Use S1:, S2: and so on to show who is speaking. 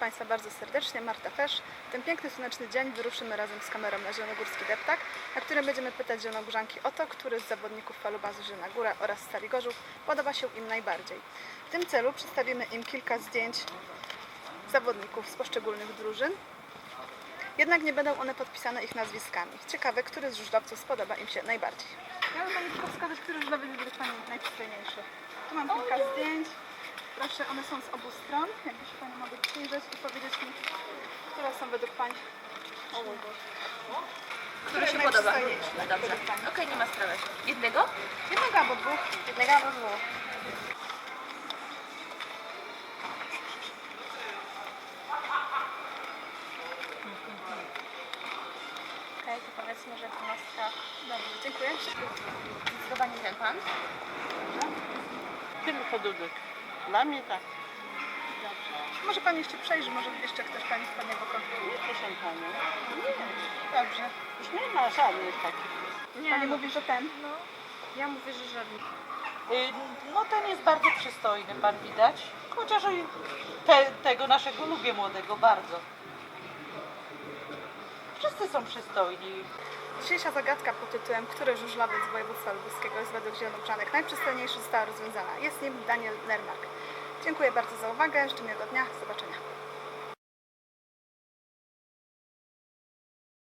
S1: Państwa bardzo serdecznie, Marta też. W ten piękny, słoneczny dzień wyruszymy razem z kamerą na Zielonogórski Deptak, na którym będziemy pytać zielonogórzanki o to, który z zawodników falubazu Zielona Góra oraz Stali Gorzów podoba się im najbardziej. W tym celu przedstawimy im kilka zdjęć zawodników z poszczególnych drużyn, jednak nie będą one podpisane ich nazwiskami. Ciekawe, który z żużlowców spodoba im się najbardziej. Chciałabym Pani tylko wskazać, który żużlowiec będzie Pani najprzystojniejszy. Tu mam kilka zdjęć. Proszę, one są z obu stron. Jakby się Pani mogły przyjrzeć i powiedzieć mi, które są według Pani. O mój Boże.
S2: Który się podoba?
S1: Najprzystojniejszy
S2: Dobrze.
S1: według Pani.
S2: Okej, nie ma sprawy. Jednego?
S1: Jednego albo dwóch. Jednego albo dwóch.
S2: Okej, to powiedzmy, że 12.
S1: Dobrze, dziękuję.
S2: Zdecydowanie ten pan.
S3: Tylko Dudek. Dla mnie tak.
S1: Może Pani jeszcze przejrzy, może jeszcze ktoś Pani wpadnie w oko.
S3: Nie, proszę Panią.
S1: Dobrze.
S3: Już nie ma żadnych takich.
S1: Pani mówi, że ten.
S2: No, ja mówię, że żadnych.
S3: No ten jest bardzo przystojny, pan widać. Chociaż i tego naszego lubię młodego bardzo. Wszyscy są przystojni.
S1: Dzisiejsza zagadka pod tytułem który żużlowiec z województwa lubuskiego jest według zielonogórzanek najprzystojniejszy została rozwiązana. Jest nim Daniel Nermark. Dziękuję bardzo za uwagę, życzę miłego dnia, do zobaczenia.